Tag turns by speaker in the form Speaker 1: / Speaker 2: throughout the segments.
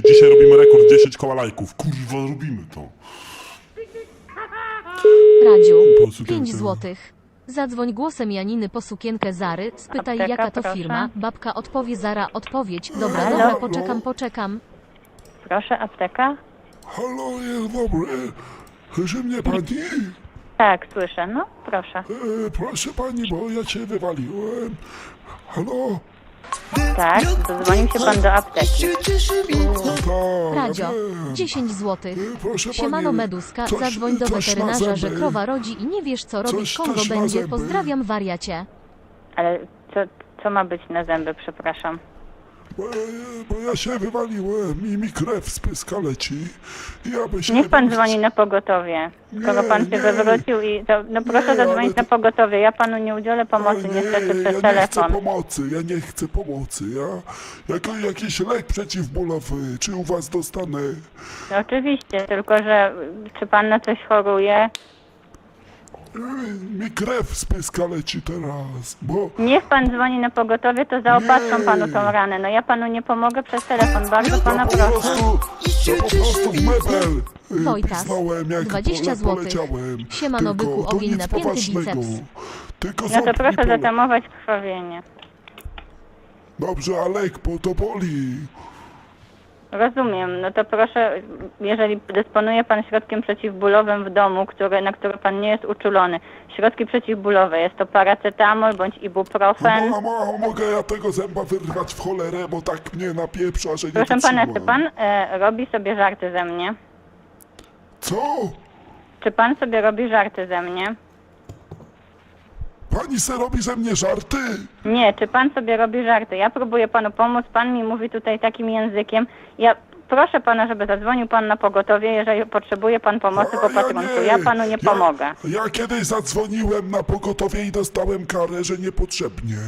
Speaker 1: Dzisiaj robimy rekord 10 koła lajków. Kurwa, robimy to.
Speaker 2: Radziu,
Speaker 1: Po sukienkę.
Speaker 2: 5 złotych. Zadzwoń głosem Janiny po sukienkę Zary, spytaj
Speaker 3: Apteka,
Speaker 2: jaka to
Speaker 3: proszę.
Speaker 2: firma, babka odpowie, Zara odpowiedź. Dobra,
Speaker 3: Halo?
Speaker 2: dobra, poczekam.
Speaker 3: Proszę, apteka?
Speaker 1: Halo, jest dobry. Słyszy mnie pani?
Speaker 3: Tak, słyszę. No, proszę.
Speaker 1: Proszę pani, bo ja cię wywaliłem. Halo?
Speaker 3: Tak, dodzwonił się pan do apteki.
Speaker 1: Tak.
Speaker 2: Radzio, 10 złotych.
Speaker 1: Proszę
Speaker 2: Siemano
Speaker 1: pani,
Speaker 2: Meduska,
Speaker 1: coś-
Speaker 2: zadzwoń do
Speaker 1: coś na
Speaker 2: weterynarza, że
Speaker 1: zęby.
Speaker 2: krowa rodzi i nie wiesz co robić,
Speaker 1: Coś
Speaker 2: Kongo
Speaker 1: na
Speaker 2: będzie.
Speaker 1: zęby.
Speaker 2: Pozdrawiam, wariacie.
Speaker 3: Ale co ma być na zęby, przepraszam?
Speaker 1: Bo ja się wywaliłem i mi krew z pyska leci. Ja by się
Speaker 3: Niech pan
Speaker 1: nie-
Speaker 3: dzwoni na pogotowie. Skoro pan się
Speaker 1: nie.
Speaker 3: wywrócił i... No proszę
Speaker 1: Nie,
Speaker 3: zadzwonić
Speaker 1: ale
Speaker 3: na
Speaker 1: to-
Speaker 3: pogotowie. Ja panu nie udzielę pomocy
Speaker 1: Ale
Speaker 3: niestety przez
Speaker 1: ja nie chcę
Speaker 3: telefon.
Speaker 1: pomocy, ja nie chcę pomocy, jakiś lek przeciwbólowy, czy u was dostanę?
Speaker 3: No oczywiście, tylko że czy pan na coś choruje?
Speaker 1: Mi krew z pyska leci teraz, bo...
Speaker 3: Niech pan dzwoni na pogotowie, to zaopatrzą
Speaker 1: Nie.
Speaker 3: panu tą ranę. No ja panu nie pomogę przez telefon. Bardzo pana
Speaker 1: To
Speaker 3: proszę.
Speaker 1: po prostu w mebel
Speaker 2: Wojtas,
Speaker 1: pisnąłem, jak
Speaker 2: 20 złotych.
Speaker 1: poleciałem.
Speaker 2: Siemano,
Speaker 1: Tylko
Speaker 2: byku,
Speaker 1: to
Speaker 2: ogień
Speaker 1: nic
Speaker 2: napięty,
Speaker 1: poważnego.
Speaker 2: biceps.
Speaker 1: Tylko
Speaker 3: No
Speaker 1: ząb
Speaker 3: to
Speaker 1: mi
Speaker 3: proszę
Speaker 1: boli.
Speaker 3: zatamować krwawienie.
Speaker 1: Dobrze, ale bo to boli.
Speaker 3: Rozumiem, no to proszę, jeżeli dysponuje pan środkiem przeciwbólowym w domu, na który pan nie jest uczulony, środki przeciwbólowe, jest to paracetamol bądź ibuprofen.
Speaker 1: Mogę ja tego zęba wyrwać w cholerę, bo tak mnie napieprza, że nie
Speaker 3: Proszę pana, czy
Speaker 1: wytrzymam.
Speaker 3: pan robi sobie żarty ze mnie?
Speaker 1: Co?
Speaker 3: Czy pan sobie robi żarty ze mnie?
Speaker 1: Pani se robi ze mnie żarty?
Speaker 3: Nie, czy pan sobie robi żarty? Ja próbuję panu pomóc, pan mi mówi tutaj takim językiem. Ja proszę pana, żeby zadzwonił pan na pogotowie, jeżeli potrzebuje pan pomocy po patrunku. Ja panu nie pomogę.
Speaker 1: Ja kiedyś zadzwoniłem na pogotowie i dostałem karę, że niepotrzebnie.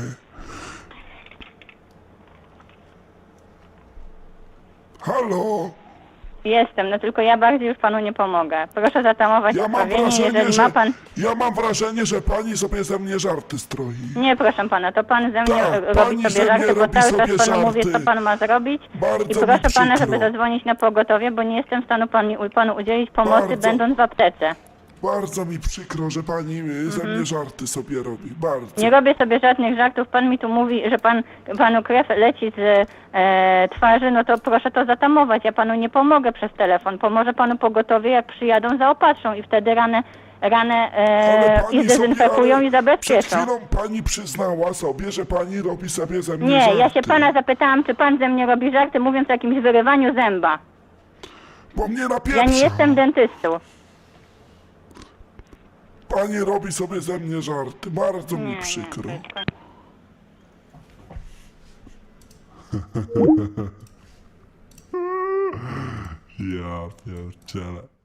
Speaker 1: Halo?
Speaker 3: Jestem, no tylko ja bardziej już panu nie pomogę. Proszę zatamować
Speaker 1: Ja mam
Speaker 3: krwawienie,
Speaker 1: wrażenie,
Speaker 3: jeżeli
Speaker 1: że,
Speaker 3: ma pan...
Speaker 1: ja mam wrażenie, że pani sobie ze mnie żarty stroi.
Speaker 3: Nie, proszę pana, to pan ze mnie
Speaker 1: Tak,
Speaker 3: robi
Speaker 1: pani ze
Speaker 3: sobie
Speaker 1: mnie
Speaker 3: żarty, bo
Speaker 1: robi
Speaker 3: cały czas
Speaker 1: sobie
Speaker 3: panu mówię, co
Speaker 1: żarty.
Speaker 3: pan ma zrobić.
Speaker 1: Bardzo
Speaker 3: I
Speaker 1: mi
Speaker 3: proszę pana,
Speaker 1: przykro.
Speaker 3: żeby zadzwonić na pogotowie, bo nie jestem w stanie panu udzielić pomocy,
Speaker 1: Bardzo.
Speaker 3: będąc w aptece.
Speaker 1: Bardzo mi przykro, że pani ze mnie żarty sobie robi. Bardzo.
Speaker 3: Nie robię sobie żadnych żartów. Pan mi tu mówi, że panu krew leci z twarzy, no to proszę to zatamować. Ja panu nie pomogę przez telefon. Pomoże panu pogotowie, jak przyjadą, zaopatrzą i wtedy ranę
Speaker 1: Ale pani
Speaker 3: i zdezynfekują
Speaker 1: sobie,
Speaker 3: i zabezpieczą.
Speaker 1: Przed chwilą pani przyznała sobie, że pani robi sobie ze mnie
Speaker 3: Nie,
Speaker 1: żarty.
Speaker 3: ja się pana zapytałam, czy pan ze mnie robi żarty, mówiąc o jakimś wyrywaniu zęba.
Speaker 1: Bo mnie napieprza.
Speaker 3: Ja nie jestem dentystą.
Speaker 1: Pani robi sobie ze mnie żarty. Bardzo mi przykro. Ja pierdzielę.